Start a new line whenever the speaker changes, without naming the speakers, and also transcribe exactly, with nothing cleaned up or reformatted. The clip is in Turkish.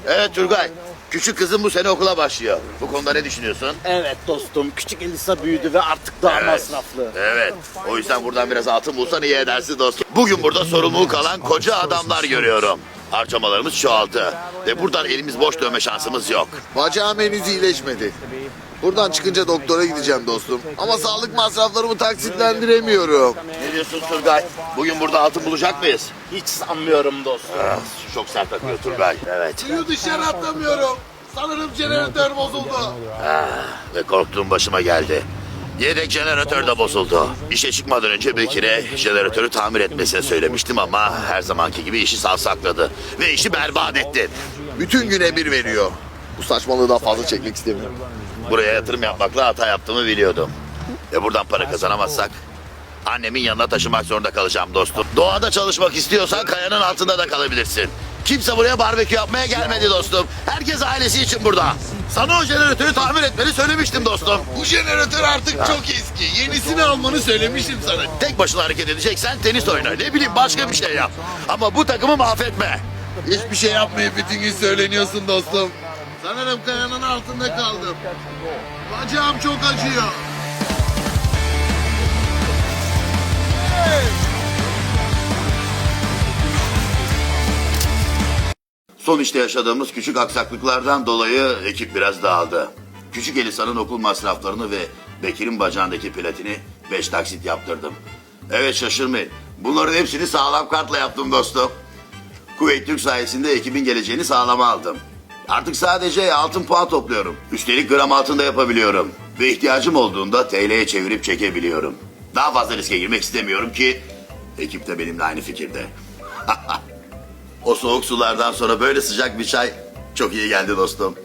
Evet Turgay, küçük kızım bu sene okula başlıyor. Bu konuda ne düşünüyorsun?
Evet dostum, küçük Elisa büyüdü ve artık daha
Evet.
masraflı.
Evet, o yüzden buradan biraz altın bulsan iyi edersin dostum. Bugün burada sorumluluğu kalan koca adamlar görüyorum. Harcamalarımız çoğaldı ve buradan elimiz boş dönme şansımız yok.
Bacağım henüz iyileşmedi. Buradan çıkınca doktora gideceğim dostum. Ama sağlık masraflarımı taksitlendiremiyorum.
Ne diyorsun Turgay? Bugün burada altın bulacak mıyız?
Hiç sanmıyorum dostum.
Ah, çok sert akıyor Turgay. Evet.
Suyu dışarı atamıyorum. Sanırım jeneratör bozuldu.
Ve korktuğum başıma geldi. Yedek jeneratör de bozuldu. İşe çıkmadan önce Bekir'e jeneratörü tamir etmesini söylemiştim ama her zamanki gibi işi savsakladı. Ve işi berbat etti.
Bütün gün emir veriyor. Bu saçmalığı daha fazla çekmek istemiyorum.
Buraya yatırım yapmakla hata yaptığımı biliyordum. Ve buradan para kazanamazsak annemin yanına taşımak zorunda kalacağım dostum. Doğada çalışmak istiyorsan kayanın altında da kalabilirsin. Kimse buraya barbekü yapmaya gelmedi dostum. Herkes ailesi için burada. Sana o jeneratörü tamir etmeni söylemiştim dostum.
Bu jeneratör artık çok eski. Yenisini almanı söylemiştim sana.
Tek başına hareket edeceksen tenis oyna. Ne bileyim başka bir şey yap. Ama bu takımı mahvetme.
Hiçbir şey yapmayıp bütün gün söyleniyorsun dostum. Sanırım kayanın altında kaldım. Bacağım çok acıyor.
Son işte yaşadığımız küçük aksaklıklardan dolayı ekip biraz dağıldı. Küçük Elisa'nın okul masraflarını ve Bekir'in bacağındaki platini beş taksit yaptırdım. Evet şaşırmayın. Bunların hepsini sağlam kartla yaptım dostum. Kuveyt Türk sayesinde ekibin geleceğini sağlama aldım. Artık sadece altın puan topluyorum. Üstelik gram altında yapabiliyorum. Ve ihtiyacım olduğunda T L'ye çevirip çekebiliyorum. Daha fazla riske girmek istemiyorum ki ekip de benimle aynı fikirde. O soğuk sulardan sonra böyle sıcak bir çay çok iyi geldi dostum.